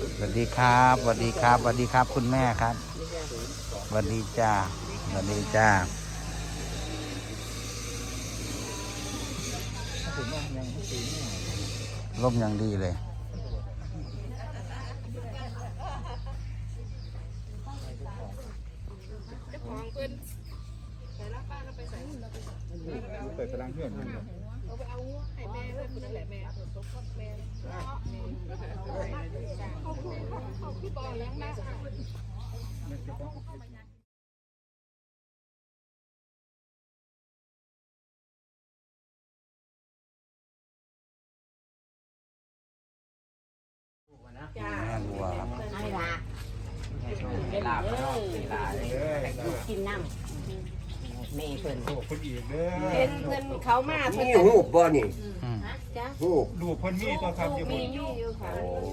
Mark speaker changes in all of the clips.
Speaker 1: สวัสดีครับสวัสดีครับสวัสดีครับคุณแม่ครับสวัสดีจ้าสวัสดีจ้าร่มอย่างดีเลย
Speaker 2: เปิดกำลังเพื่อน
Speaker 3: เอาไปเอาให้แม่เลยคุณนั่นแหละแม่แม่เขาพี่บอลแล้วนะ
Speaker 1: แม่บัวครับ
Speaker 4: ไม่ละลูกกินน้ำแม่เพิ่น
Speaker 2: โอ้คนอีกเด้อ
Speaker 3: เป็นเพื่อนเขามาเพื่อน
Speaker 5: นี่หูบบ่นี่
Speaker 3: จ้ะ
Speaker 5: หูบ
Speaker 2: ดูคนมีตัวทำอยู่บ
Speaker 3: มี
Speaker 2: น
Speaker 3: อยู่ค่ะ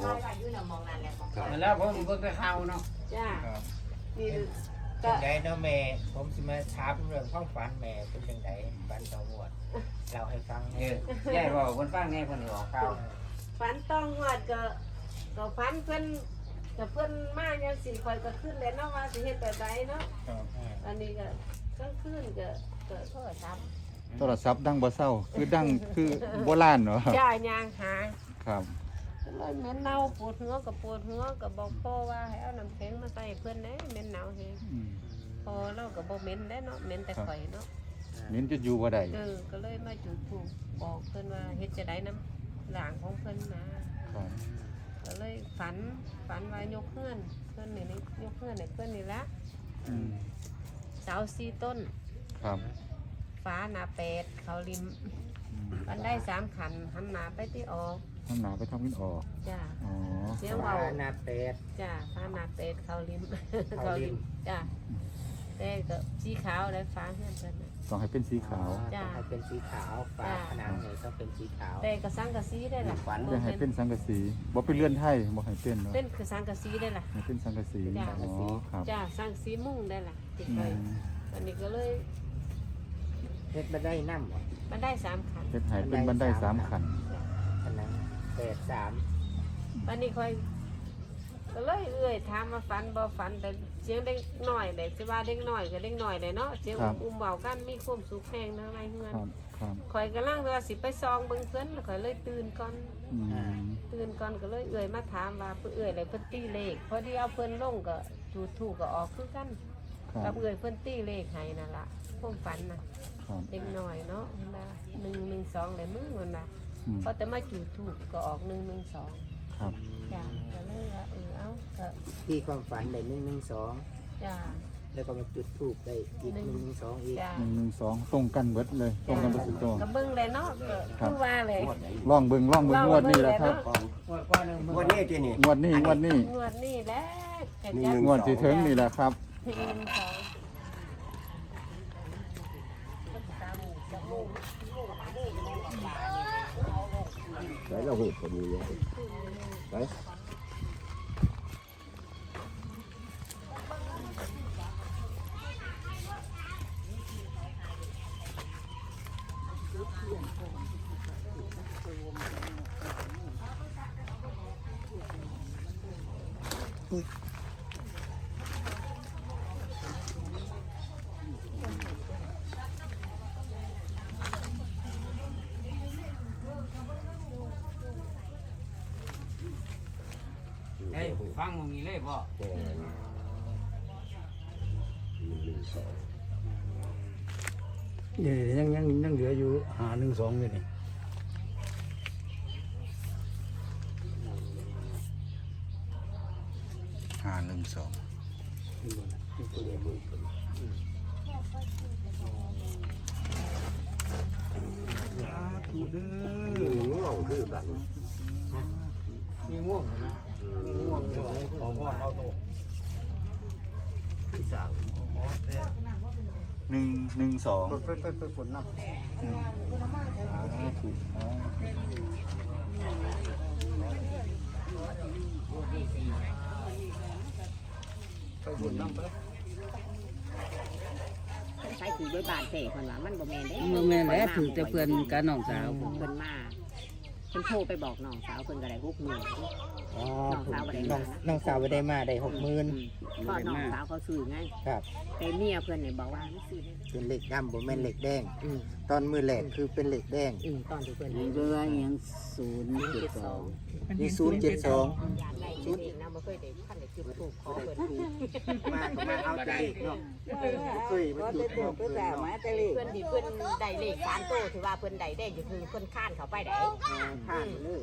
Speaker 4: แล้วผมเพิ่งได้เข้าเนาะ
Speaker 3: จ้ะ
Speaker 2: ครับ
Speaker 3: มี
Speaker 6: จังไดเนาะแม่ผมสิมาถามเรื่องความฝันแม่เป็นจังไดฝันต่อหมวดเราให้ฟัง
Speaker 4: แย่บอกคนฟังแน่คนออกเข้า
Speaker 3: ฝันต้องหอดก็ฝันเพื่อนกับเพื่อนมาอย่างสิคอยก็ขึ้นแล้วเนาะว่าสิเฮ็ดแบบใดเนาะ
Speaker 2: ครับ
Speaker 3: อันนี้ก็กลางคืนก็โทรศัพท์
Speaker 1: โทรศัพท์ดังบ่เศร้าคือดังคือโบราณเนาะ
Speaker 3: จ้ายางหา
Speaker 1: ครับ
Speaker 3: เลยเหม็นเน่าปวดหัวกับปวดหัวกับบอกพ่อว่าให้เอาน้ำแข็งมาใส่เพื่อนเด้เหม็นหนาวเฮง
Speaker 1: อืม
Speaker 3: พอเราก็บ่เหม็นได้เนาะเหม็นแต่ข่อยเนาะ
Speaker 1: นิ้นจะอยู่บ่ได้
Speaker 3: ก็เลยมาจุดธูปบอกเพื่อนว่าเฮ็ดจะได้น้ำหลางของเพื่อนนะครับ ก็เลยฝันว่ายกเพื่อนนี่ยกเพื่อนให้เพื่อนนี่ละ
Speaker 1: อืม
Speaker 3: เสา4 ต้น
Speaker 1: ครับ
Speaker 3: ฟ้าหนาเป็ดเขาริม
Speaker 1: อืม
Speaker 3: มันได้3 ขันหันหนาไปที่ออก
Speaker 1: น้ำหนาไปทำกินออก
Speaker 3: จ้า
Speaker 1: อ๋อ
Speaker 3: เสียง
Speaker 6: ว่า
Speaker 3: เบา
Speaker 6: นาเป็ด
Speaker 3: จ้าฟ้าหนาเป็ดเขาริม
Speaker 6: เขาริม
Speaker 3: จ้าแต่ก็สีขาวและฟ้าเพื่อนเพิ่นน่ะ
Speaker 1: ต้องให้เป็นสีขาว
Speaker 3: จ้ะ
Speaker 6: ให้เป็นสีขาวฝาผนังเนี่ยต้องเป็นสีขาว
Speaker 3: แต่ก็สังกะสีได้ล่ะ
Speaker 6: ฝัน
Speaker 1: จะให้เป็นสังกะสีบ่เป็นเลื่อนไทยบ่ให้เป็นเนาะ
Speaker 3: เป็นคือสังกะสีได้ล่ะ
Speaker 1: ให้เป็นสังกะสี
Speaker 3: จ้ะ
Speaker 1: อ๋อครับ
Speaker 3: จ้าสังกะสีมุ่งได้ล่ะติด
Speaker 1: อื
Speaker 3: ไป
Speaker 1: ม
Speaker 3: อันนี้ก็เลย
Speaker 6: เฮ็ดมาได้น้ำบ่
Speaker 3: มันได้3 ขัน
Speaker 1: เฮ็ดให้เป็นบันได3ขัน
Speaker 6: ผนังเป็ด3
Speaker 3: วันนี้ค่อยก็เลยถามมาฝันบ่ฝันแต่เสียงเด็กหน่อยแต่สิว่าเด็กหน่อยก็เด็กหน่อยเลยเนาะเสียงอุ้มเบากันมีความสุขแห้งทั้งไรเฮือน
Speaker 1: ครับครับ
Speaker 3: ข่อยกำลังว่าสิไปซองเบิ่งเพิ่นแล้วข่อยเลยตื่นก่อน
Speaker 1: อืม
Speaker 3: ตื่นก่อนก็เลยมาถามว่าเพิ่นเลยเพิ่นตีเลขพอดีเอาเพิ่นลงก็จุดถูกก็ออกคือกัน
Speaker 1: ครั
Speaker 3: กับบ เพิ่นตีเลขให้นั่นล่ะความฝันน่ะ
Speaker 1: ครับ
Speaker 3: เด็กหน่อยเนาะมันว่า112เลยมึงมันน่ะ
Speaker 1: อืม
Speaker 3: พอแต่มาจุดถูกก็ออก112
Speaker 1: ครับ
Speaker 3: จ้าก็เลยว่าเอาก็
Speaker 6: ที่ความฝันได้112
Speaker 3: จ้า
Speaker 6: แล้วก็มาจุดธูปได้อีก112อีก
Speaker 3: จ้า
Speaker 1: 112ตรงกันเบิดเลยตรงกันเบิดทุกตัว
Speaker 3: ก็เบิ่งเลยเนาะก็คือว่าเลย
Speaker 1: ลองเบิ่งงวดนี้แหละครับ
Speaker 5: วันนี้ที่นี่
Speaker 1: งวดนี้
Speaker 3: งวดนี้แหละแต่จะ
Speaker 1: งวดที่ถึงนี่แหละครับ
Speaker 5: ใส่เราหูบก็มีเลยไป
Speaker 4: เฮ้ยฟังมึงนี่เลยบ่
Speaker 7: นี่ยังเหลืออยู่512อยู่นี่
Speaker 1: 512
Speaker 5: ง่วงคือกัน
Speaker 6: มีง่วงนะง่วงเลยของพ่อเอาโต
Speaker 5: ที่สาม
Speaker 1: 112
Speaker 7: ไปฝนน้ำ
Speaker 1: ถูกอ๋อ
Speaker 7: ไปฝนน้ำไป
Speaker 4: ใช้ถือด้วยบานเตะคนว่ามันบ่แม่นเด้
Speaker 8: บ่แม่นแล้วถือแต่เพื่อนกับน้องสาว
Speaker 4: เพิ่นมาเพิ่นโทรไปบอกน้องสาวเพิ่นก็ได้6 มื้อ
Speaker 7: อ๋อ
Speaker 4: น้ององสาวบ่ได้
Speaker 6: น้องสาวไปได้มาได้60,000
Speaker 4: พอน้องสาวเขาซื้อไง
Speaker 6: ครับ
Speaker 4: แต่เมียเพิ่นนี่บอกว่าไม่ซื้อ
Speaker 6: เป็นเหล็กดำบ่แม่นเหล็กแดงตอนมือแหลกคือเป็นเหล็กแดง
Speaker 4: ตอนที่เพิ่น
Speaker 8: นี่เบื่อยัง0.2
Speaker 6: นี่072
Speaker 3: ยานได้เองนะบ่เคยได้ท่านได้จุดถูกขอเพิ่นถูก
Speaker 6: มาก็มาเอาแต่เหล็กเนาะเคยมาจุดถูกเพิ่นเนาะ
Speaker 3: เพิ่นที่เพิ่นได้เลข3โตถือว่าเพิ่นได้ได้อยู่คือเพิ่นค้านเข้าไปได้
Speaker 6: ผ่านเลย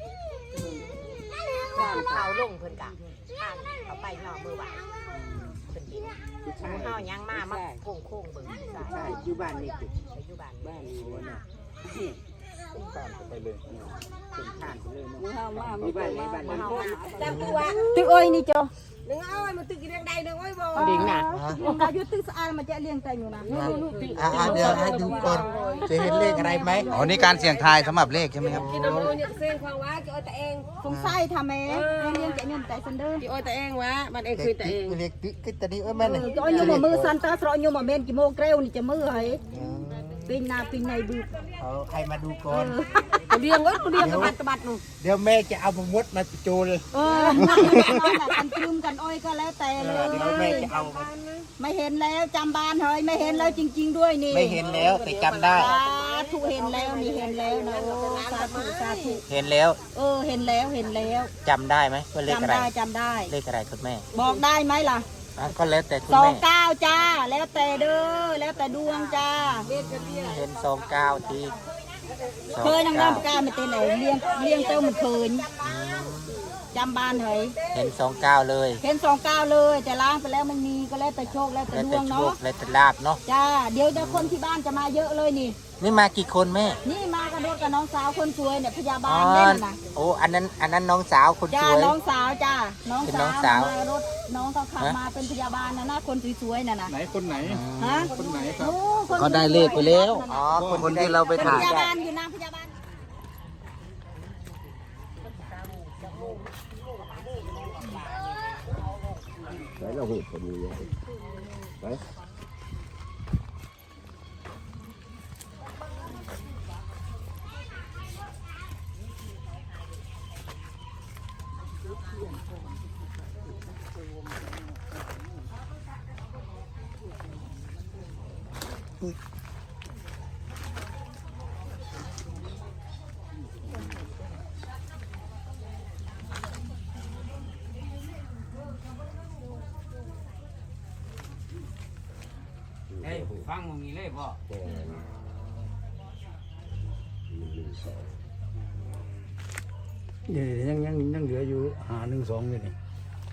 Speaker 3: ค้านเข้าลงเพิ่นกะค้านเข้าไปย่อมือไหวเพิ่นดิน
Speaker 6: ผู้ชาย
Speaker 3: เฮายังมาโค้งๆเบิ่ง
Speaker 6: ใช่อยู่บ้านนี่ติ
Speaker 3: ปัจจุบัน
Speaker 6: บ้านนี่บ่น่ะ
Speaker 2: ตามไปเลย
Speaker 6: เป็นผ่านไปเลยเนาะ
Speaker 8: มือเฮามา
Speaker 6: อยู่บ้านนี่บ้านนี่
Speaker 3: แต่ตัว
Speaker 8: ตึกอ้อยนี่จ้ะ
Speaker 3: นึงเอาไว้มันตึกเรียงใดนึงไว้บ่
Speaker 4: ดิ่งน่ะ
Speaker 8: อายุตึกสะอาดมันจะเลี้ยงแต่อยู่นะ
Speaker 6: เดี๋ยวให้ดูก่อนจะเห็นเลขอะไรไหม
Speaker 1: อ๋อนี่การเสี่ยงทายสำหรับเลขใช่ไหมครับ
Speaker 3: กินน้ำมันเนี่ยเส้นความว่าจะเอาแต่เอง
Speaker 8: สงสัยทำแม่เลี้ยงแต่เงินแต่ซันเดอร์
Speaker 3: จะเอาแต่เองวะมันเองคือแต่เอง
Speaker 6: เลขคือตอนนี้แม่น
Speaker 8: ก็อยู่บ่มือซันเตอร์สระอยู่บ่เมนกี่โมงเกลียวนี่จะมือให้ปีหน้าปีในบึก
Speaker 6: เอาใครมาดูก่อน
Speaker 3: เรียงก็เรียงกระบัดกระบัดนู่น
Speaker 6: เดี๋ยวแม่จะเอามดมาโจร
Speaker 8: กันตรึมกันอ้อยก็แล้วแต่เลย
Speaker 6: เดี๋ยวแม่จะเอา
Speaker 8: ไม่เห็นแล้วจำบ้านเฮ้ยไม่เห็นแล้วจริงๆด้วยนี่
Speaker 6: ไม่เห็นแล้วแต่จำได้
Speaker 8: สาธุเห็นแล้วนี่เห็นแล้วนะโอ้สาธุสาธุ
Speaker 6: เห็นแล้ว
Speaker 8: เห็นแล้วเห็นแล้ว
Speaker 6: จำได้ไหมว่าเลขอะไร
Speaker 8: จำได้
Speaker 6: เลขอะไรคุณแม่
Speaker 8: บอกได้ไหมล่ะ
Speaker 6: ก็แล้วแต่คุณแม่
Speaker 8: 29จ้าแล้วแต่เด้อแล้วแต่ดวงจ้า
Speaker 6: เห็น29ที
Speaker 8: เคยนั่งน้ำกล้าไม่เต้นไหนเลี้ยงเต้ามันเคยจำบ้านเฮ้ย
Speaker 6: เห็น29เลย
Speaker 8: เห็น29เลยแต่ล้างไปแล้วมันมีก็แล้วแต่โชคแล้วแต่
Speaker 6: แล้ว
Speaker 8: ด
Speaker 6: แต่
Speaker 8: วง
Speaker 6: โช
Speaker 8: เนาะ
Speaker 6: คแล้วแต่ลาบเนาะ
Speaker 8: จ้าเดี๋ยวคนที่บ้านจะมาเยอะเลยนี่
Speaker 6: นี่มากี่คนแม่
Speaker 8: นี่มากระโดดกับน้องสาวคนสวยเนี่ยพยาบา
Speaker 6: อ๋
Speaker 8: ล
Speaker 6: อ
Speaker 8: เล่นน่ะ
Speaker 6: โอ้อันนั้นน้องสาวคน
Speaker 8: จ้า
Speaker 6: สวย
Speaker 8: น้องสาวจ้าน้อง
Speaker 6: เป็น
Speaker 8: สา
Speaker 6: น้
Speaker 8: ว
Speaker 6: องสาว
Speaker 8: มารถน้องเขาขับมาเป็นพยาบาลนะนะคนสวยๆน่ะนะ
Speaker 2: ไหนคนไหน
Speaker 8: ฮะ
Speaker 2: คนไหนครับ
Speaker 8: โอ้คน
Speaker 1: ก็ได้เลขไปแล้ว
Speaker 6: อ๋อ
Speaker 1: คนที่เราไป
Speaker 8: เป็น
Speaker 1: ถ่า
Speaker 8: พ
Speaker 1: ย
Speaker 8: ยาบาลอยู่นะพยาบาล
Speaker 5: ไหนเราหูคนนี้ไป
Speaker 7: เฮ้ยฟังมึงนี่เลยบ่
Speaker 2: เดี๋ยวยังเหลืออยู่512อยู่นี่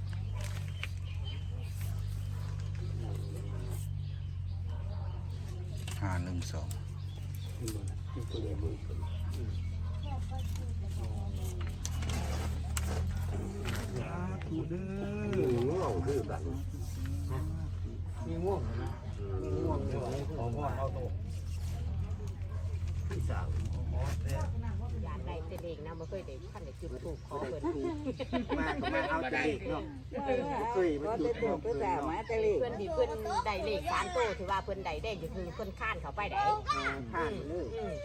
Speaker 1: 512
Speaker 2: ถูเด้อ
Speaker 5: ง่วงคือกัน
Speaker 7: มีง่วงนะมีง่วงด้วยขอพ่อเอาโตพี่สาวย
Speaker 3: านได้แต่เองนะบ่เคยได้ท่านได้จุดถูกขอเพิ่นถูก
Speaker 6: มาก็มาเอาแต่เลขเนาะเคยมาจุดถูกเพิ่นเนาะ
Speaker 3: เพิ่นที่เพิ่นได้เลข3โตถือว่าเพิ่นได้ได้อยู่คือเพิ่นค้านเข้าไปได้
Speaker 6: ผ่านเลย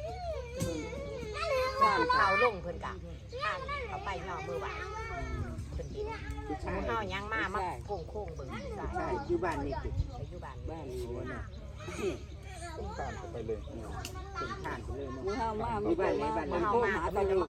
Speaker 3: ค้านเข้าลงเพิ่นกะค้านเข้าไปย่อมือไหวเพิ่นดิน
Speaker 6: ผู้ชาย
Speaker 3: เฮายังมาโค้งๆเบิ่ง
Speaker 6: ใช่อยู่บ้านนี่ติ
Speaker 3: ปัจจุบัน
Speaker 6: บ้านนี่บ่น่ะ
Speaker 2: ตามไปเลย
Speaker 6: เป็นผ่านไปเลยเนาะ
Speaker 8: มือเฮามา
Speaker 6: อยู่บ้านนี่บ้านนี่
Speaker 3: เฮามา
Speaker 6: บ้านนี่